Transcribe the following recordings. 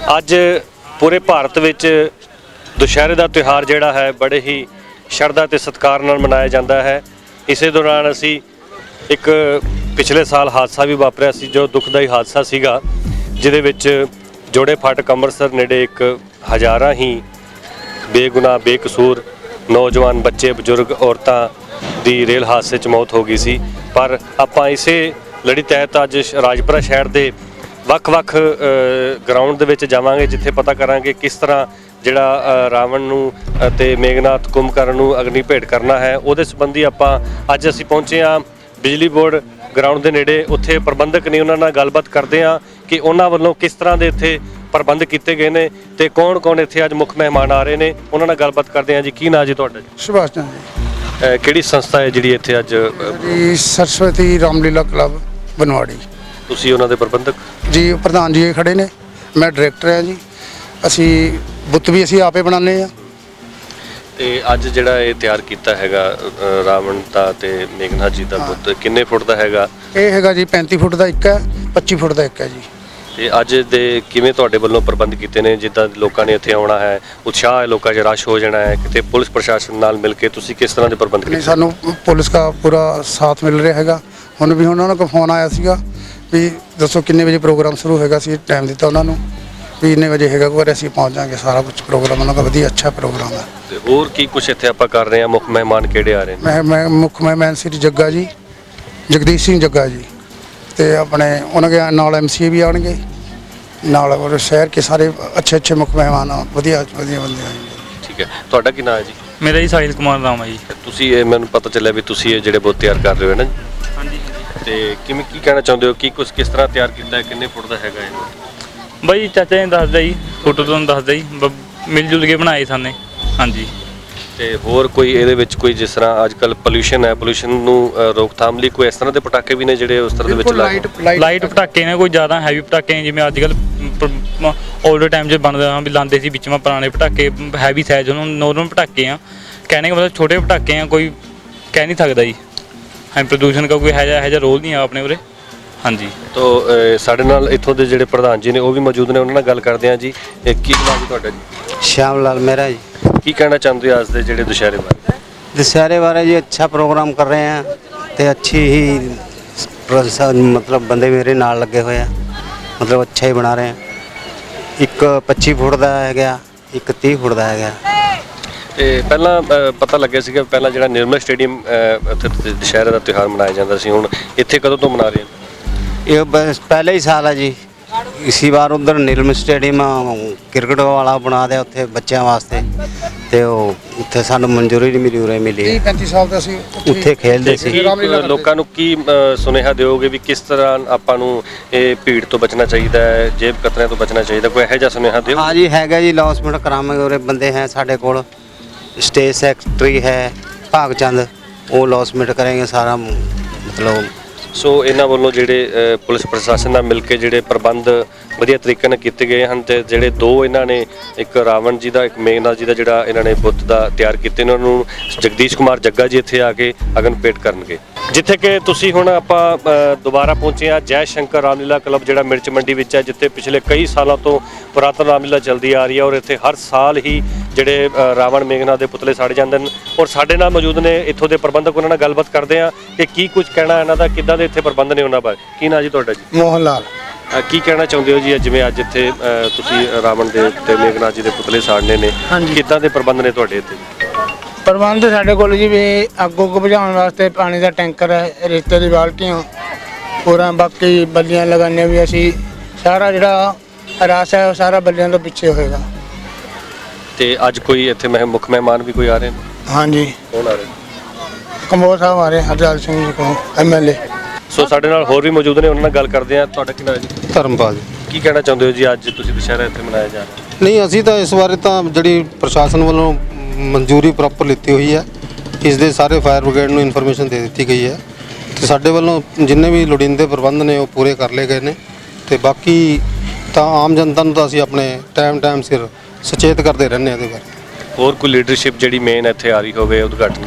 ਅੱਜ ਪੂਰੇ ਭਾਰਤ ਵਿੱਚ ਦੁਸ਼ਹਿਰੇ ਦਾ ਤਿਉਹਾਰ ਜਿਹੜਾ ਹੈ ਬੜੇ ਹੀ ਸ਼ਰਧਾ ਤੇ ਸਤਿਕਾਰ ਨਾਲ ਮਨਾਇਆ ਜਾਂਦਾ ਹੈ। ਇਸੇ ਦੌਰਾਨ ਅਸੀਂ ਇੱਕ ਪਿਛਲੇ ਸਾਲ ਹਾਦਸਾ ਵੀ ਵਾਪਰਿਆ ਸੀ, ਜੋ ਦੁਖਦਾਈ ਹਾਦਸਾ ਸੀਗਾ, ਜਿਹਦੇ ਵਿੱਚ ਜੋੜੇ ਫਾਟਕ ਅੰਮ੍ਰਿਤਸਰ ਨੇੜੇ ਇੱਕ ਹਜ਼ਾਰਾਂ ਹੀ ਬੇਗੁਨਾਹ ਬੇਕਸੂਰ ਨੌਜਵਾਨ ਬੱਚੇ, ਬਜ਼ੁਰਗ, ਔਰਤਾਂ ਦੀ ਰੇਲ ਹਾਦਸੇ 'ਚ ਮੌਤ ਹੋ ਗਈ ਸੀ। ਪਰ ਆਪਾਂ ਇਸੇ ਲੜੀ ਤਹਿਤ ਅੱਜ ਰਾਜਪੁਰਾ ਸ਼ਹਿਰ ਦੇ ਵੱਖ-ਵੱਖ ਗਰਾਊਂਡ ਦੇ ਵਿੱਚ ਜਾਵਾਂਗੇ, ਜਿੱਥੇ ਪਤਾ ਕਰਾਂਗੇ ਕਿਸ ਤਰ੍ਹਾਂ ਜਿਹੜਾ ਰਾਵਣ ਨੂੰ ਅਤੇ ਮੇਘਨਾਥ ਕੁੰਭਕਰਨ ਨੂੰ ਅਗਨੀ ਭੇਟ ਕਰਨਾ ਹੈ। ਉਹਦੇ ਸੰਬੰਧੀ ਆਪਾਂ ਅੱਜ ਅਸੀਂ ਪਹੁੰਚੇ ਹਾਂ ਬਿਜਲੀ ਬੋਰਡ ਗਰਾਊਂਡ ਦੇ ਨੇੜੇ। ਉੱਥੇ ਪ੍ਰਬੰਧਕ ਨੇ, ਉਹਨਾਂ ਨਾਲ ਗੱਲਬਾਤ ਕਰਦੇ ਹਾਂ ਕਿ ਉਹਨਾਂ ਵੱਲੋਂ ਕਿਸ ਤਰ੍ਹਾਂ ਦੇ ਇੱਥੇ ਪ੍ਰਬੰਧ ਕੀਤੇ ਗਏ ਨੇ ਤੇ ਕੌਣ-ਕੌਣ ਇੱਥੇ ਅੱਜ ਮੁੱਖ ਮਹਿਮਾਨ ਆ ਰਹੇ ਨੇ। ਉਹਨਾਂ ਨਾਲ ਗੱਲਬਾਤ ਕਰਦੇ ਹਾਂ। ਜੀ ਕੀ ਨਾਂ ਜੀ ਤੁਹਾਡਾ? ਸੁਭਾਸ਼ ਚੰਦਰ ਜੀ। ਕਿਹੜੀ ਸੰਸਥਾ ਹੈ ਜਿਹੜੀ ਇੱਥੇ ਅੱਜ? ਜੀ ਸਰਸਵਤੀ ਰਾਮਲੀਲਾ ਕਲੱਬ ਬਨਵਾੜੀ। ਤੁਸੀਂ ਉਹਨਾਂ ਦੇ ਪ੍ਰਬੰਧਕ ਜੀ? ਪ੍ਰਧਾਨ ਜੀ ਖੜੇ ਨੇ, ਮੈਂ ਡਾਇਰੈਕਟਰ ਹਾਂ ਜੀ। ਅਸੀਂ ਬੁੱਤ ਵੀ ਅਸੀਂ ਆਪੇ ਬਣਾਉਂਦੇ ਹਾਂ। ਤੇ ਅੱਜ ਜਿਹੜਾ ਇਹ ਤਿਆਰ ਕੀਤਾ ਹੈਗਾ ਰਾਵਣ ਦਾ ਤੇ ਮੇਘਨਾਥ ਜੀ ਦਾ ਬੁੱਤ ਕਿੰਨੇ ਫੁੱਟ ਦਾ ਹੈਗਾ? ਇਹ ਹੈਗਾ ਜੀ 35 ਫੁੱਟ ਦਾ ਇੱਕ ਹੈ, 25 ਫੁੱਟ ਦਾ ਇੱਕ ਹੈ ਜੀ। ਤੇ ਅੱਜ ਦੇ ਕਿਵੇਂ ਤੁਹਾਡੇ ਵੱਲੋਂ ਪ੍ਰਬੰਧ ਕੀਤੇ ਨੇ? ਜਿੱਦਾਂ ਲੋਕਾਂ ਨੇ ਇੱਥੇ ਆਉਣਾ ਹੈ, ਉਤਸ਼ਾਹ ਹੈ, ਲੋਕਾਂ 'ਚ ਰਸ਼ ਹੋ ਜਾਣਾ ਹੈ, ਕਿਤੇ ਪੁਲਿਸ ਪ੍ਰਸ਼ਾਸਨ ਨਾਲ ਮਿਲ ਕੇ ਤੁਸੀਂ ਕਿਸ ਤਰ੍ਹਾਂ ਦੇ ਪ੍ਰਬੰਧ ਕੀਤੇ? ਸਾਨੂੰ ਪੁਲਿਸ ਦਾ ਪੂਰਾ ਸਾਥ ਮਿਲ ਰਿਹਾ ਹੈਗਾ। ਹੁਣ ਵੀ ਉਹਨਾਂ ਨੂੰ ਫੋਨ ਆਇਆ ਸੀਗਾ ਵੀ ਦੱਸੋ ਕਿੰਨੇ ਵਜੇ ਪ੍ਰੋਗਰਾਮ ਸ਼ੁਰੂ ਹੋਏਗਾ। ਅਸੀਂ ਟਾਈਮ ਦਿੱਤਾ ਉਹਨਾਂ ਨੂੰ ਵੀ ਇੰਨੇ ਵਜੇ ਹੈਗਾ, ਕੋਈ ਅਸੀਂ ਪਹੁੰਚ ਜਾਵਾਂਗੇ। ਸਾਰਾ ਕੁਝ ਪ੍ਰੋਗਰਾਮ ਉਹਨਾਂ ਦਾ ਵਧੀਆ ਅੱਛਾ ਪ੍ਰੋਗਰਾਮ ਹੈ। ਤੇ ਹੋਰ ਕੀ ਕੁਝ ਇੱਥੇ ਆਪਾਂ ਕਰ ਰਹੇ ਹਾਂ? ਮੁੱਖ ਮਹਿਮਾਨ ਕਿਹੜੇ ਆ ਰਹੇ ਨੇ? ਮੈਂ ਮੁੱਖ ਮਹਿਮਾਨ ਸ੍ਰੀ ਜੱਗਾ ਜੀ, ਜਗਦੀਸ਼ ਸਿੰਘ ਜੱਗਾ ਜੀ, ਤੇ ਆਪਣੇ ਉਹਨਾਂ ਦੇ ਨਾਲ ਐਮਸੀਏ ਵੀ ਆਉਣਗੇ ਨਾਲ, ਔਰ ਸ਼ਹਿਰ ਕੇ ਸਾਰੇ ਅੱਛੇ ਮੁੱਖ ਮਹਿਮਾਨ ਵਧੀਆ ਬੰਦੇ ਆएंगे। ਠੀਕ ਹੈ, ਤੁਹਾਡਾ ਕੀ ਨਾਮ ਹੈ ਜੀ? ਮੇਰਾ ਜੀ ਸਾਹਿਲ ਕੁਮਾਰ ਨਾਮ ਹੈ ਜੀ। ਤੁਸੀਂ ਇਹ ਮੈਨੂੰ ਪਤਾ ਚੱਲਿਆ ਵੀ ਤੁਸੀਂ ਇਹ ਜਿਹੜੇ ਬੁੱਤ ਤਿਆਰ ਕਰ ਰਹੇ ਹੋ ਨਾ? ਹਾਂਜੀ। ਤੇ ਕਿਵੇਂ ਕੀ ਕਹਿਣਾ ਚਾਹੁੰਦੇ ਹੋ? ਕੀ ਕੁਝ ਕਿਸ ਤਰ੍ਹਾਂ ਤਿਆਰ ਕੀਤਾ ਹੈ? ਕਿੰਨੇ ਫੁੱਟ ਦਾ ਹੈਗਾ ਇਹ? ਬਾਈ ਚਾਚਾ ਨੇ ਦੱਸਦਾ ਜੀ, ਫੋਟੋ ਤੋਂ ਦੱਸਦਾ ਜੀ, ਮਿਲ ਜੁਲ ਕੇ ਬਣਾਏ ਸਾਨੇ। ਹਾਂਜੀ। ਤੇ ਹੋਰ ਕੋਈ ਇਹਦੇ ਵਿੱਚ ਕੋਈ, ਜਿਸ ਤਰ੍ਹਾਂ ਅੱਜ ਕੱਲ ਪੋਲੂਸ਼ਨ ਹੈ, ਪੋਲੂਸ਼ਨ ਨੂੰ ਰੋਕਥਾਮ ਲਈ ਕੋਈ ਇਸ ਤਰ੍ਹਾਂ ਦੇ ਪਟਾਕੇ ਵੀ ਨੇ ਜਿਹੜੇ ਉਸ ਤਰ੍ਹਾਂ ਦੇ ਵਿੱਚ ਲਾਈਟ ਪਟਾਕੇ ਨੇ, ਕੋਈ ਜ਼ਿਆਦਾ ਹੈਵੀ ਪਟਾਕੇ ਨੇ ਜਿਵੇਂ ਅੱਜ ਕੱਲ ਓਲਡ ਟਾਈਮ 'ਚ ਬਣਦਾ ਵੀ ਲਾਉਂਦੇ ਸੀ ਵਿੱਚ ਪੁਰਾਣੇ ਪਟਾਕੇ, ਹੈਵੀ ਸਾਈਜ਼ ਉਹਨਾਂ ਨੂੰ ਨੋਰਮਲ ਪਟਾਕੇ ਆ। ਕਹਿਣੇ ਦਾ ਮਤਲਬ ਛੋਟੇ ਪਟਾਕੇ ਆ, ਕੋਈ ਕਹਿ ਨਹੀਂ ਸਕਦਾ ਜੀ। ਹਾਂ, ਪ੍ਰਦੂਸ਼ਣ ਦਾ ਕੋਈ ਇਹੋ ਜਿਹਾ ਰੋਲ ਨਹੀਂ ਆ ਆਪਣੇ ਉਰੇ। ਹਾਂਜੀ। ਤੋ ਸਾਡੇ ਨਾਲ ਇੱਥੋਂ ਦੇ ਜਿਹੜੇ ਪ੍ਰਧਾਨ ਜੀ ਨੇ ਉਹ ਵੀ ਮੌਜੂਦ ਨੇ, ਉਹਨਾਂ ਨਾਲ ਗੱਲ ਕਰਦੇ ਹਾਂ ਜੀ। ਕੀ ਨਾਮ ਜੀ ਤੁਹਾਡਾ? ਜੀ श्याम लाल मेहरा जी। ਕੀ ਕਹਿਣਾ ਚਾਹੁੰਦੇ ਹੋ ਅੱਜ ਦੇ ਜਿਹੜੇ ਦੁਸ਼ਹਿਰੇ ਬਾਰੇ? दशहरे बारे जी अच्छा प्रोग्राम कर रहे हैं तो अच्छी ही मतलब बंदे मेरे नाल लगे हुए हैं, मतलब अच्छा ही बना रहे हैं। एक 25 फुट का है गया, एक 30 फुट का है गया। ਤੇ ਪਹਿਲਾਂ ਪਤਾ ਲੱਗਿਆ ਸੀਗਾ ਪਹਿਲਾਂ ਜਿਹੜਾ ਨਿਰਮਲ ਸਟੇਡੀਅਮ ਉੱਥੇ ਦੁਸ਼ਹਿਰੇ ਦਾ ਤਿਉਹਾਰ ਮਨਾਇਆ ਜਾਂਦਾ ਸੀ, ਹੁਣ ਇੱਥੇ ਕਦੋਂ ਤੋਂ ਮਨਾ ਰਹੇ ਹੋ? ये बस पहले ही साल है जी। इसी बार उधर नीलम स्टेडियम क्रिकेट वाला बना दिया उत्थे बच्चों वास्ते, तो उत्थे सानू मंजूरी नहीं मिली, उरे मिली 35 साल ਦਾ ਸੀ उत्थे खेलते सी। ਲੋਕਾਂ ਨੂੰ ਕੀ ਸੁਨੇਹਾ ਦਿਓਗੇ ਵੀ ਕਿਸ ਤਰ੍ਹਾਂ ਆਪਾਂ ਨੂੰ ਇਹ ਭੀੜ ਤੋਂ ਬਚਣਾ ਚਾਹੀਦਾ ਹੈ, ਜੇਬ ਕਤਰਿਆਂ ਤੋਂ ਬਚਣਾ ਚਾਹੀਦਾ? ਕੋਈ ਇਹੋ ਜਿਹਾ ਸੁਨੇਹਾ ਦਿਓ। हाँ जी हैगा जी, लॉन्चमेंट करावांगे। उरे बंदे हैं साढ़े कोल, स्टेज सेक्रेटरी है भागचंद, वो लॉन्चमेंट करेंगे सारा। मतलब ਸੋ ਇਹਨਾਂ ਵੱਲੋਂ ਜਿਹੜੇ ਪੁਲਿਸ ਪ੍ਰਸ਼ਾਸਨ ਨਾਲ ਮਿਲ ਕੇ ਜਿਹੜੇ ਪ੍ਰਬੰਧ ਵਧੀਆ ਤਰੀਕੇ ਨਾਲ ਕੀਤੇ ਗਏ ਹਨ, ਤੇ ਜਿਹੜੇ ਦੋ ਇਹਨਾਂ ਨੇ, ਇੱਕ ਰਾਵਣ ਜੀ ਦਾ, ਇੱਕ ਮੇਘਨਾਥ ਜੀ ਦਾ ਜਿਹੜਾ ਇਹਨਾਂ ਨੇ ਬੁੱਤ ਦਾ ਤਿਆਰ ਕੀਤੇ ਨੇ, ਉਹਨਾਂ ਨੂੰ ਜਗਦੀਸ਼ ਕੁਮਾਰ ਜੱਗਾ ਜੀ ਇੱਥੇ ਆ ਕੇ ਅਗਨ ਭੇਟ ਕਰਨਗੇ। ਜਿੱਥੇ ਕਿ ਤੁਸੀਂ ਹੁਣ ਆਪਾਂ ਦੁਬਾਰਾ ਪਹੁੰਚੇ ਹਾਂ ਜੈ ਸ਼ੰਕਰ ਰਾਮਲੀਲਾ ਕਲੱਬ, ਜਿਹੜਾ ਮਿਰਚ ਮੰਡੀ ਵਿੱਚ ਹੈ, ਜਿੱਥੇ ਪਿਛਲੇ ਕਈ ਸਾਲਾਂ ਤੋਂ ਪੁਰਾਤਨ ਰਾਮਲੀਲਾ ਚੱਲਦੀ ਆ ਰਹੀ ਹੈ, ਔਰ ਇੱਥੇ ਹਰ ਸਾਲ ਹੀ ਜਿਹੜੇ ਰਾਵਣ ਮੇਘਨਾਥ ਦੇ ਪੁਤਲੇ ਸਾੜੇ ਜਾਂਦੇ ਨੇ। ਔਰ ਸਾਡੇ ਨਾਲ ਮੌਜੂਦ ਨੇ ਇੱਥੋਂ ਦੇ ਪ੍ਰਬੰਧਕ, ਉਹਨਾਂ ਨਾਲ ਗੱਲਬਾਤ ਕਰਦੇ ਹਾਂ ਕਿ ਕੀ ਕੁਝ ਕਹਿਣਾ ਇਹਨਾਂ ਦਾ, ਕਿੱਦਾਂ ਦੇ ਇੱਥੇ ਪ੍ਰਬੰਧ ਨੇ ਉਹਨਾਂ ਬਾਰੇ। ਕੀ ਨਾਂ ਜੀ ਤੁਹਾਡਾ? ਜੀ ਮੋਹਨ ਲਾਲ। ਕੀ ਕਹਿਣਾ ਚਾਹੁੰਦੇ ਹੋ ਜੀ ਜਿਵੇਂ ਅੱਜ ਇੱਥੇ ਤੁਸੀਂ ਰਾਵਣ ਦੇ ਤੇ ਮੇਘਨਾਥ ਜੀ ਦੇ ਪੁਤਲੇ ਸਾੜਨੇ ਨੇ, ਕਿੱਦਾਂ ਦੇ ਪ੍ਰਬੰਧ ਨੇ ਤੁਹਾਡੇ ਇੱਥੇ? ਪ੍ਰਬੰਧ ਸਾਡੇ ਕੋਲ ਜੀ ਵੀ ਅੱਗ ਬੁਝਾਉਣ ਵਾਸਤੇ ਪਾਣੀ ਦਾ ਟੈਂਕਰ ਹੈ, ਰੇਤੇ ਦੀ ਬਾਲਟੀਆਂ ਪੂਰਾ, ਬਾਕੀ ਬੱਲੀਆਂ ਲਗਾਉਂਦੇ ਵੀ ਅਸੀਂ। ਸਾਰਾ ਜਿਹੜਾ ਰਸ ਹੈ ਉਹ ਸਾਰਾ ਬੱਲੀਆਂ ਤੋਂ ਪਿੱਛੇ ਹੋਏਗਾ। ਤੇ ਅੱਜ ਕੋਈ ਇੱਥੇ ਮੁੱਖ ਮਹਿਮਾਨ ਵੀ ਕੋਈ ਆ ਰਹੇ ਨੇ? ਹਾਂਜੀ। ਕੌਣ ਆ ਰਹੇ? ਕੰਬੋਜ ਸਾਹਿਬ ਆ ਰਹੇ, ਹਰਜਲ ਸਿੰਘ ਜੀ ਕੋਲ MLA। ਸੋ ਸਾਡੇ ਨਾਲ ਹੋਰ ਵੀ ਮੌਜੂਦ ਨੇ, ਉਹਨਾਂ ਨਾਲ ਗੱਲ ਕਰਦੇ ਹਾਂ। ਤੁਹਾਡਾ ਕੀ ਨਾਮ ਹੈ ਜੀ? ਧਰਮਪਾਲ ਜੀ। ਕੀ ਕਹਿਣਾ ਚਾਹੁੰਦੇ ਹੋ ਜੀ ਅੱਜ ਤੁਸੀਂ ਦੁਸ਼ਹਿਰਾ ਇੱਥੇ ਮਨਾਇਆ ਜਾ ਰਿਹਾ? ਨਹੀਂ, ਅਸੀਂ ਤਾਂ ਇਸ ਬਾਰੇ ਤਾਂ ਜਿਹੜੀ ਪ੍ਰਸ਼ਾਸਨ ਵੱਲੋਂ ਮਨਜ਼ੂਰੀ ਪ੍ਰੋਪਰ ਲਿੱਤੀ ਹੋਈ ਹੈ, ਇਸ ਦੇ ਸਾਰੇ ਫਾਇਰ ਬ੍ਰਿਗੇਡ ਨੂੰ ਇਨਫੋਰਮੇਸ਼ਨ ਦੇ ਦਿੱਤੀ ਗਈ ਹੈ, ਤੇ ਸਾਡੇ ਵੱਲੋਂ ਜਿੰਨੇ ਵੀ ਲੋੜੀਂਦੇ ਪ੍ਰਬੰਧ ਨੇ ਉਹ ਪੂਰੇ ਕਰ ਲਏ ਗਏ ਨੇ। ਤੇ ਬਾਕੀ ਤਾਂ ਆਮ ਜਨਤਾ ਨੂੰ ਤਾਂ ਅਸੀਂ ਆਪਣੇ ਟਾਈਮ ਸਿਰ ਸੁਚੇਤ ਕਰਦੇ ਰਹਿੰਦੇ ਹਾਂ ਇਹਦੇ ਬਾਰੇ। ਹੋਰ ਕੋਈ ਲੀਡਰਸ਼ਿਪ ਜਿਹੜੀ ਮੇਨ ਇੱਥੇ ਆ ਰਹੀ ਹੋਵੇ ਉਦਘਾਟਨ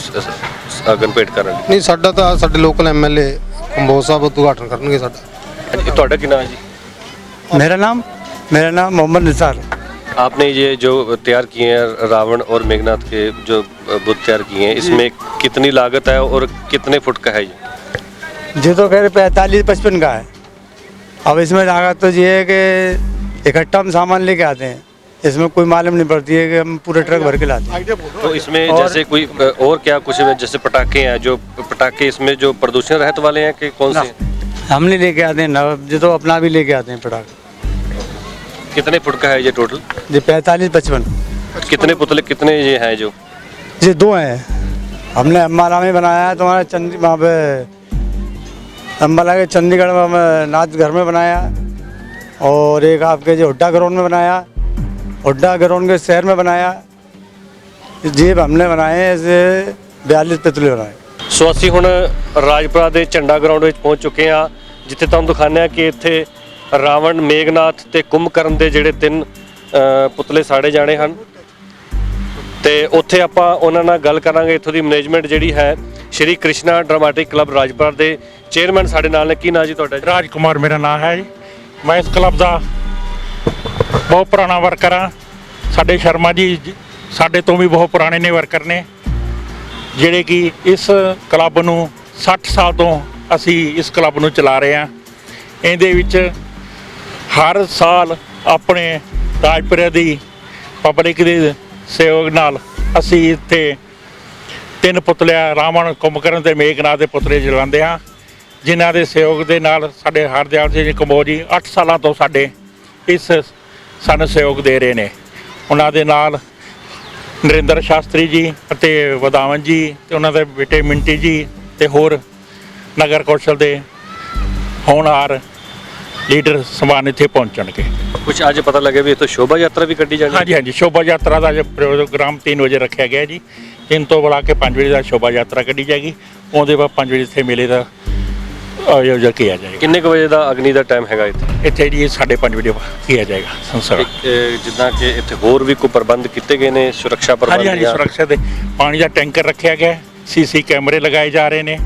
ਅਗਨ ਭੇਟ ਕਰਨ? ਨਹੀਂ, ਸਾਡਾ ਤਾਂ ਸਾਡੇ ਲੋਕਲ MLA ਕੰਬੋਜ ਸਾਹਿਬ ਉਦਘਾਟਨ ਕਰਨਗੇ ਸਾਡਾ। ਤੁਹਾਡਾ ਕੀ ਨਾਮ ਹੈ ਜੀ? मेरा नाम मेरा नाम मोहम्मद निसार। आपने ये जो तैयार किए हैं रावण और मेघनाथ के जो बुत तैयार किए हैं, इसमें कितनी लागत है और कितने फुट का है ये? ये तो खैर 45-55 का है। अब इसमें लागत तो ये है कि इकट्ठा हम सामान लेके आते हैं, इसमें कोई मालूम नहीं पड़ती है कि हम पूरे ट्रक भर के लाते हैं। तो इसमें जैसे कोई और क्या कुछ है, जैसे पटाखे हैं, जो पटाखे इसमें जो प्रदूषण रहित वाले हैं कि कौन से हैं? हम नहीं लेके आते हैं ना, जो तो अपना भी लेके आते हैं पटाखे। कितने फुट का है ये टोटल? ये 45-55। कितने पुतले कितने ये हैं जो? ये 2 हैं। हमने अम्बाला में बनाया है, तुम्हारा वहाँ पे अम्बाला के चंडीगढ़ में नाथ घर में बनाया, और एक आपके जो हुड्डा ग्राउंड में बनाया, हुड्डा ग्राउंड के शहर में बनाया। जेब हमने बनाए हैं, ऐसे 42 पुतले बनाए। ਸੋ ਅਸੀਂ ਹੁਣ ਰਾਜਪੁਰਾ ਦੇ ਝੰਡਾ ਗਰਾਊਂਡ ਵਿੱਚ ਪਹੁੰਚ ਚੁੱਕੇ ਹਾਂ, ਜਿੱਥੇ ਤੁਹਾਨੂੰ ਦਿਖਾਉਂਦੇ ਹਾਂ ਕਿ ਇੱਥੇ ਰਾਵਣ, ਮੇਘਨਾਥ ਤੇ ਕੁੰਭਕਰਨ ਦੇ ਜਿਹੜੇ 3 ਪੁਤਲੇ ਸਾੜੇ ਜਾਣੇ ਹਨ, ਤੇ ਉੱਥੇ ਆਪਾਂ ਉਹਨਾਂ ਨਾਲ ਗੱਲ ਕਰਾਂਗੇ। ਇੱਥੋਂ ਦੀ ਮੈਨੇਜਮੈਂਟ ਜਿਹੜੀ ਹੈ, ਸ਼੍ਰੀ ਕ੍ਰਿਸ਼ਨਾ ਡਰਾਮਾਟਿਕ ਕਲੱਬ ਰਾਜਪੁਰਾ ਦੇ ਚੇਅਰਮੈਨ ਸਾਡੇ ਨਾਲ ਨੇ। ਕੀ ਨਾਂ ਜੀ ਤੁਹਾਡਾ? ਰਾਜ ਕੁਮਾਰ ਮੇਰਾ ਨਾਮ ਹੈ ਜੀ। ਮੈਂ ਇਸ ਕਲੱਬ ਦਾ ਬਹੁਤ ਪੁਰਾਣਾ ਵਰਕਰ ਹਾਂ। ਸਾਡੇ ਸ਼ਰਮਾ ਜੀ ਸਾਡੇ ਤੋਂ ਵੀ ਬਹੁਤ ਪੁਰਾਣੇ ਨੇ ਵਰਕਰ ਨੇ, ਜਿਹੜੇ ਕਿ ਇਸ ਕਲੱਬ ਨੂੰ 60 ਸਾਲ ਤੋਂ ਅਸੀਂ ਇਸ ਕਲੱਬ ਨੂੰ ਚਲਾ ਰਹੇ ਹਾਂ। ਇਹਦੇ ਵਿੱਚ ਹਰ ਸਾਲ ਆਪਣੇ ਰਾਜਪੁਰੇ ਦੀ ਪਬਲਿਕ ਦੇ ਸਹਿਯੋਗ ਨਾਲ ਅਸੀਂ ਇੱਥੇ 3 ਪੁਤਲੇ ਰਾਵਣ, ਕੁੰਭਕਰਨ ਤੇ ਮੇਘਨਾਥ ਦੇ ਪੁਤਲੇ ਜਲਾਉਂਦੇ ਹਾਂ, ਜਿਨ੍ਹਾਂ ਦੇ ਸਹਿਯੋਗ ਦੇ ਨਾਲ ਸਾਡੇ ਹਰਦਿਆਲ ਸਿੰਘ ਕੰਬੋਜ ਜੀ 8 ਸਾਲਾਂ ਤੋਂ ਸਾਡੇ ਇਸ ਸਾਨੂੰ ਸਹਿਯੋਗ ਦੇ ਰਹੇ ਨੇ। ਉਹਨਾਂ ਦੇ ਨਾਲ ਨਰਿੰਦਰ ਸ਼ਾਸਤਰੀ ਜੀ ਅਤੇ ਵਧਾਵਨ ਜੀ ਤੇ ਉਹਨਾਂ ਦੇ ਬੇਟੇ ਮਿੰਟੀ ਜੀ ਤੇ ਹੋਰ ਨਗਰ ਕੌਂਸਲ ਦੇ ਹੋਣਹਾਰ ਲੀਡਰ ਸਮਾਨ ਇੱਥੇ ਪਹੁੰਚਣਗੇ। ਕੁਝ ਅੱਜ ਪਤਾ ਲੱਗਿਆ ਵੀ ਇੱਥੋਂ ਸ਼ੋਭਾ ਯਾਤਰਾ ਵੀ ਕੱਢੀ ਜਾਣੀ ਹੈ? ਹਾਂਜੀ ਹਾਂਜੀ, ਸ਼ੋਭਾ ਯਾਤਰਾ ਦਾ ਜੋ ਪ੍ਰੋਗਰਾਮ 3 ਵਜੇ ਰੱਖਿਆ ਗਿਆ ਜੀ। 3 ਤੋਂ ਬੁਲਾ ਕੇ 5 ਵਜੇ ਦਾ ਸ਼ੋਭਾ ਯਾਤਰਾ ਕੱਢੀ ਜਾਏਗੀ। ਉਹਦੇ ਬਾਅਦ 5 ਵਜੇ ਇੱਥੇ ਮੇਲੇ ਦਾ ਆਯੋਜਨ ਕੀਤਾ ਜਾਏਗਾ। ਕਿੰਨੇ ਕੁ ਵਜੇ ਦਾ ਅਗਨੀ ਦਾ ਟਾਈਮ ਹੈਗਾ ਇੱਥੇ? ਇੱਥੇ ਜੀ 5:30 ਵਜੇ ਕੀਤਾ ਜਾਏਗਾ ਸੰਸਕਾਰ। ਜਿੱਦਾਂ ਕਿ ਇੱਥੇ ਹੋਰ ਵੀ ਕੋਈ ਪ੍ਰਬੰਧ ਕੀਤੇ ਗਏ ਨੇ, ਸੁਰੱਖਿਆ ਪ੍ਰਬੰਧ? ਹਾਂਜੀ ਹਾਂਜੀ, ਸੁਰੱਖਿਆ ਦੇ ਪਾਣੀ ਦਾ ਟੈਂਕਰ ਰੱਖਿਆ ਗਿਆ, ਸੀਸੀ ਕੈਮਰੇ ਲਗਾਏ ਜਾ ਰਹੇ ਨੇ।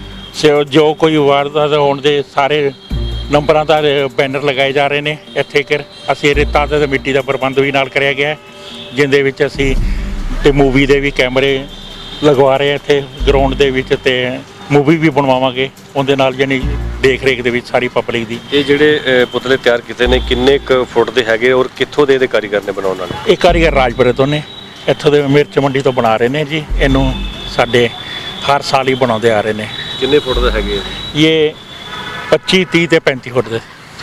ਜੋ ਕੋਈ ਵਾਰਦਾਤ ਹੋਣ ਦੇ ਸਾਰੇ ਨੰਬਰਾਂ ਦਾ ਬੈਨਰ ਲਗਾਏ ਜਾ ਰਹੇ ਨੇ। ਇੱਥੇ ਕਿ ਅਸੀਂ ਰੇਤਾ ਤੇ ਮਿੱਟੀ ਦਾ ਪ੍ਰਬੰਧ ਵੀ ਨਾਲ ਕਰਿਆ ਗਿਆ, ਜਿਹਦੇ ਵਿੱਚ ਅਸੀਂ ਤੇ ਮੂਵੀ ਦੇ ਵੀ ਕੈਮਰੇ ਲਗਵਾ ਰਹੇ ਇੱਥੇ ਗਰਾਊਂਡ ਦੇ ਵਿੱਚ, ਤੇ ਮੂਵੀ ਵੀ ਬਣਵਾਵਾਂਗੇ ਉਹਦੇ ਨਾਲ, ਯਾਨੀ ਦੇਖ ਰੇਖ ਦੇ ਵਿੱਚ ਸਾਰੀ ਪਬਲਿਕ ਦੀ। ਇਹ ਜਿਹੜੇ ਪੁਤਲੇ ਤਿਆਰ ਕੀਤੇ ਨੇ ਕਿੰਨੇ ਕੁ ਫੁੱਟ ਦੇ ਹੈਗੇ ਔਰ ਕਿੱਥੋਂ ਦੇ ਕਾਰੀਗਰ ਨੇ ਬਣਾਉਣ ਵਾਲੇ? ਇਹ ਕਾਰੀਗਰ ਰਾਜਪੁਰੇ ਤੋਂ ਨੇ, ਇੱਥੋਂ ਦੇ ਮਿਰਚ ਮੰਡੀ ਤੋਂ ਬਣਾ ਰਹੇ ਨੇ ਜੀ। ਇਹਨੂੰ ਸਾਡੇ ਹਰ ਸਾਲ ਹੀ ਬਣਾਉਂਦੇ ਆ ਰਹੇ ਨੇ। ਕਿੰਨੇ ਫੁੱਟ ਦੇ ਹੈਗੇ? ਇਹ 25, 30 ਤੇ 35 ਫੁੱਟ ਦੇ।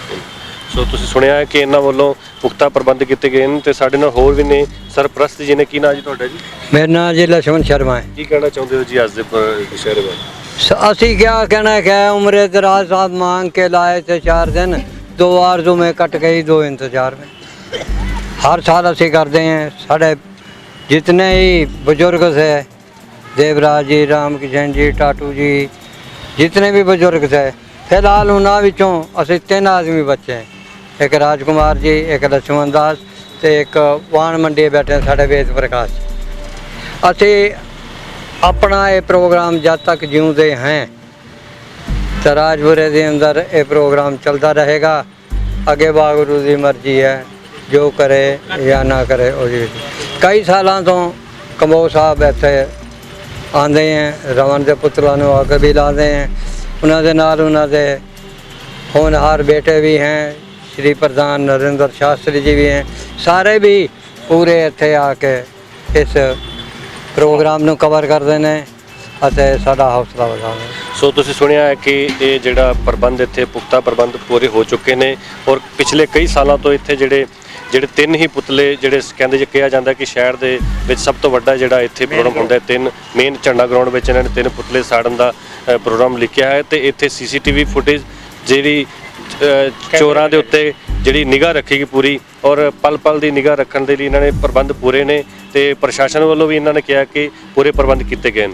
ਸੋ ਤੁਸੀਂ ਸੁਣਿਆ ਹੈ ਕਿ ਇਹਨਾਂ ਵੱਲੋਂ ਪੁਖਤਾ ਪ੍ਰਬੰਧ ਕੀਤੇ ਗਏ ਨੇ, ਤੇ ਸਾਡੇ ਨਾਲ ਹੋਰ ਵੀ ਨੇ ਸਰਪ੍ਰਸਤ ਜੀ ਨੇ। ਕੀ ਨਾਂ ਜੀ ਤੁਹਾਡਾ ਜੀ? ਮੇਰਾ ਨਾਮ ਜੀ ਲਛਮਣ ਸ਼ਰਮਾ ਹੈ। ਕੀ ਕਹਿਣਾ ਚਾਹੁੰਦੇ ਹੋ ਜੀ ਅੱਜ ਦੇ ਦੁਸ਼ਹਿਰੇ ਬਾਰੇ? ਅਸੀਂ क्या कहना है, उम्र दराज साहब मांग के लाए थे 4 दिन, 2 आरज़ू में कट गई 2 इंतजार में। हर साल ਅਸੀਂ ਕਰਦੇ हैं। ਸਾਡੇ जितने ही बुजुर्ग थे, देवराज जी, राम किशन जी, टाटू जी, जितने भी बुजुर्ग थे, फिलहाल ਉਹਨਾਂ ਵਿੱਚੋਂ ਅਸੀਂ 3 आदमी बचे हैं। एक राजकुमार जी, एक लक्ष्मण दास ਤੇ ਇੱਕ ਵਾਣ ਮੰਡੀ ਬੈਠੇ ਸਾਡੇ ਵੇਦ ਪ੍ਰਕਾਸ਼। ਅਸੀਂ अपना ये प्रोग्राम जब तक जिਉਂਦੇ हैं तो राजपुरे के अंदर ये प्रोग्राम चलता रहेगा। अगे वागुरू की मर्जी है, जो करे या ना करे। कई सालों तो कंबोज साहब इत्थे आते हैं, रमन के पुत्रों को आके भी लाते हैं। उन्होंने नाल उन्होंने होनहार बेटे भी हैं, श्री प्रधान नरेंद्र शास्त्री जी भी हैं, सारे भी पूरे इत्थे आके इस ਪ੍ਰੋਗਰਾਮ ਨੂੰ ਕਵਰ ਕਰਦੇ ਨੇ ਅਤੇ ਸਾਡਾ ਹੌਸਲਾ ਵਧਾਉਂਦੇ। ਸੋ ਤੁਸੀਂ ਸੁਣਿਆ ਹੈ ਕਿ ਇਹ ਜਿਹੜਾ ਪ੍ਰਬੰਧ ਇੱਥੇ ਪੁਖਤਾ ਪ੍ਰਬੰਧ ਪੂਰੇ ਹੋ ਚੁੱਕੇ ਨੇ, ਔਰ ਪਿਛਲੇ ਕਈ ਸਾਲਾਂ ਤੋਂ ਇੱਥੇ ਜਿਹੜੇ 3 ਹੀ ਪੁਤਲੇ ਜਿਹੜੇ ਕਹਿੰਦੇ ਜੇ ਕਿਹਾ ਜਾਂਦਾ ਕਿ ਸ਼ਹਿਰ ਦੇ ਵਿੱਚ ਸਭ ਤੋਂ ਵੱਡਾ ਜਿਹੜਾ ਇੱਥੇ ਪ੍ਰੋਗਰਾਮ ਹੁੰਦਾ ਹੈ, 3 ਮੇਨ ਝੰਡਾ ਗਰਾਊਂਡ ਵਿੱਚ ਇਹਨਾਂ ਨੇ 3 ਪੁਤਲੇ ਸਾੜਨ ਦਾ ਪ੍ਰੋਗਰਾਮ ਲਿਖਿਆ ਹੈ। ਤੇ ਇੱਥੇ ਸੀਸੀਟੀਵੀ ਫੁਟੇਜ ਜਿਹੜੀ ਚੋਰਾਂ ਦੇ ਉੱਤੇ ਜਿਹੜੀ ਨਿਗਾਹ ਰੱਖੇਗੀ ਪੂਰੀ, ਔਰ ਪਲ ਪਲ ਦੀ ਨਿਗਾਹ ਰੱਖਣ ਦੇ ਲਈ ਇਹਨਾਂ ਨੇ ਪ੍ਰਬੰਧ ਪੂਰੇ ਨੇ, ਤੇ ਪ੍ਰਸ਼ਾਸਨ ਵੱਲੋਂ ਵੀ ਇਹਨਾਂ ਨੇ ਕਿਹਾ ਕਿ ਪੂਰੇ ਪ੍ਰਬੰਧ ਕੀਤੇ ਗਏ ਨੇ।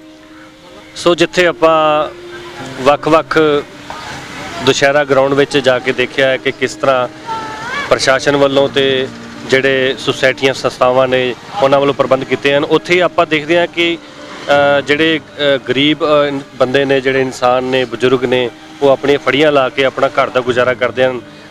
ਸੋ ਜਿੱਥੇ ਆਪਾਂ ਵੱਖ-ਵੱਖ ਦੁਸ਼ਹਿਰਾ ਗਰਾਊਂਡ ਵਿੱਚ ਜਾ ਕੇ ਦੇਖਿਆ ਹੈ ਕਿ ਕਿਸ ਤਰ੍ਹਾਂ ਪ੍ਰਸ਼ਾਸਨ ਵੱਲੋਂ ਤੇ ਜਿਹੜੇ ਸੁਸਾਇਟੀਆਂ ਸੰਸਥਾਵਾਂ ਨੇ ਉਹਨਾਂ ਵੱਲੋਂ ਪ੍ਰਬੰਧ ਕੀਤੇ ਹਨ, ਉੱਥੇ ਹੀ ਆਪਾਂ ਦੇਖਦੇ ਹਾਂ ਕਿ ਜਿਹੜੇ ਗਰੀਬ ਬੰਦੇ ਨੇ, ਜਿਹੜੇ ਇਨਸਾਨ ਨੇ, ਬਜ਼ੁਰਗ ਨੇ, ਉਹ ਆਪਣੀਆਂ ਫੜੀਆਂ ਲਾ ਕੇ ਆਪਣਾ ਘਰ ਦਾ ਗੁਜ਼ਾਰਾ ਕਰਦੇ ਹਨ।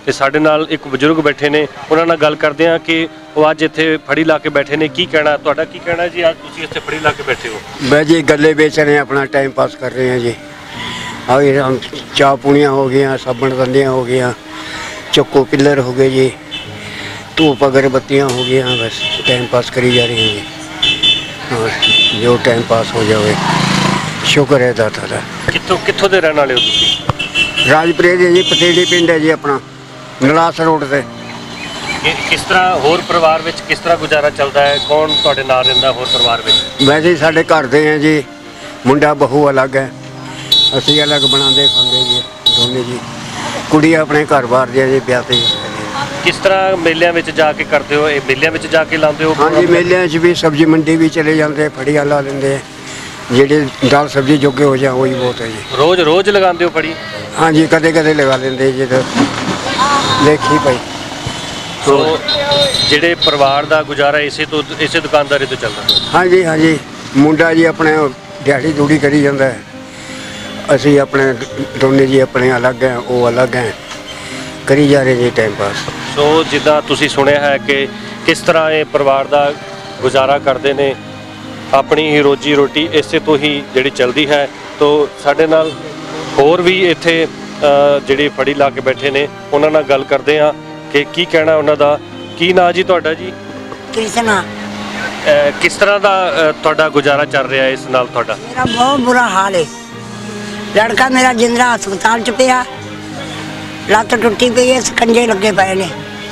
ਤੇ ਸਾਡੇ ਨਾਲ ਇੱਕ ਬਜ਼ੁਰਗ ਬੈਠੇ ਨੇ, ਉਹਨਾਂ ਨਾਲ ਗੱਲ ਕਰਦੇ ਹਾਂ ਕਿ ਉਹ ਅੱਜ ਇੱਥੇ ਫੜੀ ਲਾ ਕੇ ਬੈਠੇ ਨੇ। ਕੀ ਕਹਿਣਾ ਤੁਹਾਡਾ, ਕੀ ਕਹਿਣਾ ਜੀ ਅੱਜ ਤੁਸੀਂ ਇੱਥੇ ਫੜੀ ਲਾ ਕੇ बैठे हो? मैं जी गले बेच रहे हैं, अपना टाइम पास कर रहे हैं जी। और ये हम चाह पूड़ियाँ हो गई, साबुन दंदियाँ हो गई, चक्को पिल्लर हो गए जी, धूप अगरबत्तियाँ हो गई, बस टाइम पास करी जा रही हैं जी। और जो टाइम पास हो जाए शुक्र है दाता दा। ਕਿੱਥੋਂ ਦੇ ਰਹਿਣ ਵਾਲੇ ਹੋ ਤੁਸੀਂ? राजपुरे जी पतेड़ी पिंड है जी अपना, नलास रोड से। ਕਿਸ ਤਰ੍ਹਾਂ ਹੋਰ ਪਰਿਵਾਰ ਵਿੱਚ ਕਿਸ ਤਰ੍ਹਾਂ ਗੁਜ਼ਾਰਾ ਚੱਲਦਾ ਹੈ? ਕੌਣ ਤੁਹਾਡੇ ਨਾਲ ਰਹਿੰਦਾ ਹੋਰ ਪਰਿਵਾਰ ਵਿੱਚ? वैसे ही साढ़े घर दे हैं जी, मुंडा बहू अलग है, असी अलग बनाते खाते जी दोनों जी। कुड़ी अपने घर बाहर जी जी ब्याह ते। ਕਿਸ ਤਰ੍ਹਾਂ ਮੇਲਿਆਂ ਵਿੱਚ ਜਾ ਕੇ ਕਰਦੇ ਹੋ? ਇਹ ਮੇਲਿਆਂ ਵਿੱਚ ਜਾ ਕੇ ਲਾਉਂਦੇ ਹੋ? हाँ जी, मेले च भी सब्जी मंडी भी चले जाते, फड़िया ला लेंगे, जेडे दाल सब्जी जोगे हो जाए वही बहुत है जी। ਰੋਜ਼ ਲਗਾਉਂਦੇ ਹੋ ਫੜੀ? हाँ जी, कदे कदे लगा लेंगे जी, तो देखी भाई। ਸੋ ਜਿਹੜੇ ਪਰਿਵਾਰ ਦਾ ਗੁਜ਼ਾਰਾ ਇਸੇ ਦੁਕਾਨਦਾਰੀ ਤੋਂ ਚੱਲਦਾ? हाँ जी, हाँ जी, मुंडा जी अपने दिहाड़ी दूड़ी करी जाता है, असी अपने दोनों जी अपने अलग हैं, वो अलग हैं, करी जा रहे जी टाइम पास। ਸੋ ਜਿੱਦਾਂ ਤੁਸੀਂ ਸੁਣਿਆ ਹੈ ਕਿ ਕਿਸ ਤਰ੍ਹਾਂ ਇਹ ਪਰਿਵਾਰ ਦਾ ਗੁਜ਼ਾਰਾ ਕਰਦੇ ਨੇ, ਆਪਣੀ ਹੀ ਰੋਜੀ ਰੋਟੀ ਇਸੇ ਤੋਂ ਹੀ ਜਿਹੜੀ ਚੱਲਦੀ ਹੈ। ਤੋ ਸਾਡੇ ਨਾਲ ਹੋਰ ਵੀ ਇੱਥੇ ਜਿਹੜੀ ਫੜੀ ਲਾ ਕੇ ਬੈਠੇ ਨੇ, ਉਹਨਾਂ ਨਾਲ ਗੱਲ ਕਰਦੇ ਹਾਂ ਕਿ ਕੀ ਕਹਿਣਾ ਉਹਨਾਂ ਦਾ। ਕੀ ਨਾਂ ਜੀ ਤੁਹਾਡਾ ਜੀ? कृष्णा। ਕਿਸ ਤਰ੍ਹਾਂ ਦਾ ਤੁਹਾਡਾ ਗੁਜ਼ਾਰਾ ਚੱਲ ਰਿਹਾ ਇਸ ਨਾਲ ਤੁਹਾਡਾ? मेरा बहुत बुरा हाल है, लड़का मेरा जिंदरा हस्पताल च पिया, लत्त टुटी पई है, सकंजे लगे पे ने,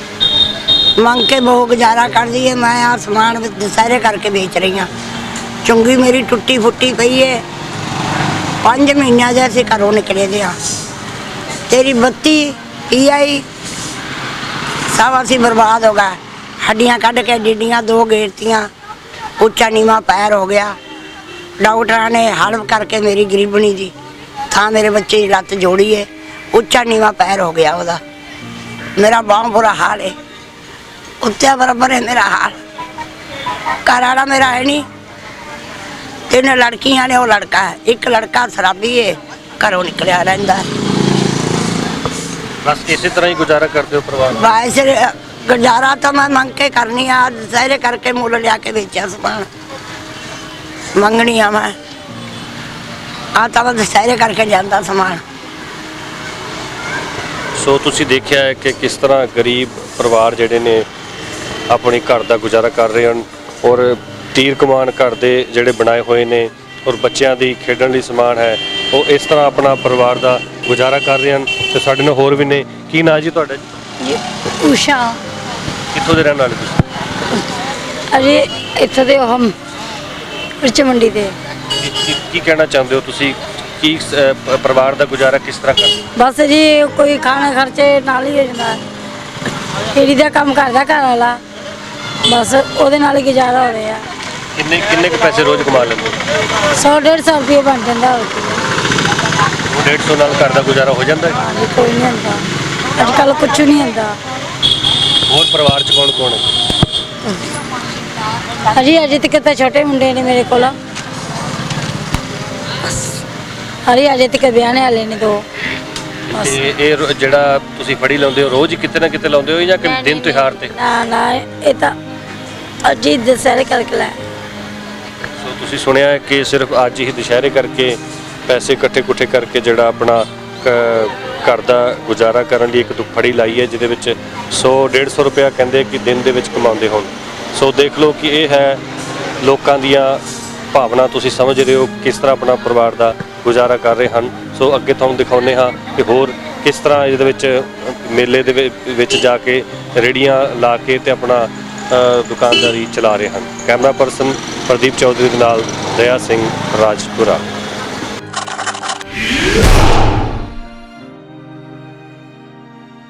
मंग के बहुत गुजारा कर दी है। मैं आ समान दशहरे करके बेच रही हाँ, चुंगी मेरी टुटी फुटी पई है, 5 महीने जैसे घरों निकले दे हाँ। तेरी बत्ती PI सब असी बर्बाद हो गए, हड्डियाँ कढ़ के डिडियाँ 2 गेरतियाँ, उच्चा नीवा पैर हो गया। डॉक्टर ने हल्व करके मेरी गरीबनी दी था, मेरे बच्चे की लत्त जोड़ी है, उच्चा नीवा पैर हो गया ਉਹਦਾ। मेरा बहुत बुरा हाल है, उत्ते बराबर है मेरा हाल। घर वाला मेरा है नहीं, 3 लड़कियां ने, वो लड़का है, एक लड़का शराबी है, घरों निकलिया रहता है। बस इसी तरह ही गुजारा करते हो परिवार? वैसे गुजारा तो मैं मंग के करनी है, दशहरे करके मुल लिया के बेचा समान मंगनी है मैं, आता मैं दशहरे करके जाता समान। ਸੋ ਤੁਸੀਂ ਦੇਖਿਆ ਹੈ ਕਿ ਕਿਸ ਤਰ੍ਹਾਂ ਗਰੀਬ ਪਰਿਵਾਰ ਜਿਹੜੇ ਨੇ ਆਪਣੇ ਘਰ ਦਾ ਗੁਜ਼ਾਰਾ ਕਰ ਰਹੇ ਹਨ, ਔਰ ਤੀਰ ਕਮਾਨ ਘਰ ਦੇ ਜਿਹੜੇ ਬਣਾਏ ਹੋਏ ਨੇ, ਔਰ ਬੱਚਿਆਂ ਦੀ ਖੇਡਣ ਲਈ ਸਮਾਨ ਹੈ, ਉਹ ਇਸ ਤਰ੍ਹਾਂ ਆਪਣਾ ਪਰਿਵਾਰ ਦਾ ਗੁਜ਼ਾਰਾ ਕਰ ਰਹੇ ਹਨ। ਤੇ ਸਾਡੇ ਨਾਲ ਹੋਰ ਵੀ ਨੇ। ਕੀ ਨਾਂ ਜੀ ਤੁਹਾਡਾ ਜੀ? उषा। ਕਿੱਥੋਂ ਦੇ ਰਹਿਣ ਵਾਲੇ ਤੁਸੀਂ? अरे इतने दे हम मिर्च मंडी दे। ਕੀ ਕਹਿਣਾ ਚਾਹੁੰਦੇ ਹੋ ਤੁਸੀਂ? ਕੀ ਪਰਿਵਾਰ ਦਾ ਗੁਜ਼ਾਰਾ ਕਿਸ ਤਰ੍ਹਾਂ ਕਰਦੇ? बस जी कोई खाने खर्चे नाल ही हो जाता, फेरी का काम करता घर वाला, बस ਉਹਦੇ ਨਾਲ ਹੀ गुजारा हो रहा। ਕਿੰਨੇ ਕੁ ਪੈਸੇ ਰੋਜ਼ ਕਮਾ ਲੈਂਦੇ ਹੋ? 100-150 रुपये बन जाता। 150 ਨਾਲ ਘਰ ਦਾ ਗੁਜ਼ਾਰਾ ਹੋ ਜਾਂਦਾ ਹੈ? हाँ जी, कोई नहीं आता अजकल, कुछ नहीं आता। ਹੋਰ ਪਰਿਵਾਰ 'ਚ ਕੌਣ ਹੈ? अजे तक तो छोटे मुंडे ने मेरे को, अजे तक ब्याहने वाले ने 2। ਇਹ ਜਿਹੜਾ ਤੁਸੀਂ ਫੜੀ ਲਾਉਂਦੇ ਹੋ ਰੋਜ਼ ਹੀ ਕਿਤੇ ਨਾ ਕਿਤੇ ਲਾਉਂਦੇ ਹੋ ਜਾਂ ਕਿ ਦਿਨ ਤਿਉਹਾਰ ਤੇ? ना ये तो अज ही दशहरे करके लाए। ਸੋ ਤੁਸੀਂ ਸੁਣਿਆ ਹੈ ਕਿ ਸਿਰਫ ਅੱਜ ਹੀ ਦੁਸ਼ਹਿਰੇ ਕਰਕੇ ਪੈਸੇ ਇਕੱਠੇ ਕਰਕੇ ਜਿਹੜਾ ਆਪਣਾ ਘਰ ਦਾ ਗੁਜ਼ਾਰਾ ਕਰਨ ਲਈ ਇੱਕ ਫੜੀ ਲਾਈ ਹੈ, ਜਿਹਦੇ ਵਿੱਚ 100-150 ਰੁਪਇਆ ਕਹਿੰਦੇ ਕਿ ਦਿਨ ਦੇ ਵਿੱਚ ਕਮਾਉਂਦੇ ਹੋਣ। ਸੋ ਦੇਖ ਲਓ ਕਿ ਇਹ ਹੈ ਲੋਕਾਂ ਦੀਆਂ ਭਾਵਨਾ, ਤੁਸੀਂ ਸਮਝ ਰਹੇ ਹੋ ਕਿਸ ਤਰ੍ਹਾਂ ਆਪਣਾ ਪਰਿਵਾਰ ਦਾ ਗੁਜ਼ਾਰਾ ਕਰ ਰਹੇ ਹਨ। ਸੋ ਅੱਗੇ ਤੁਹਾਨੂੰ ਦਿਖਾਉਂਦੇ ਹਾਂ ਕਿ ਹੋਰ ਕਿਸ ਤਰ੍ਹਾਂ ਇਹਦੇ ਵਿੱਚ ਮੇਲੇ ਦੇ ਵਿੱਚ ਜਾ ਕੇ ਰੇੜੀਆਂ ਲਾ ਕੇ ਤੇ ਆਪਣਾ ਦੁਕਾਨਦਾਰੀ ਚਲਾ ਰਹੇ ਹਨ। ਕੈਮਰਾ ਪਰਸਨ ਪ੍ਰਦੀਪ ਚੌਧਰੀ ਦੇ ਨਾਲ ਦਇਆ ਸਿੰਘ, ਰਾਜਪੁਰਾ।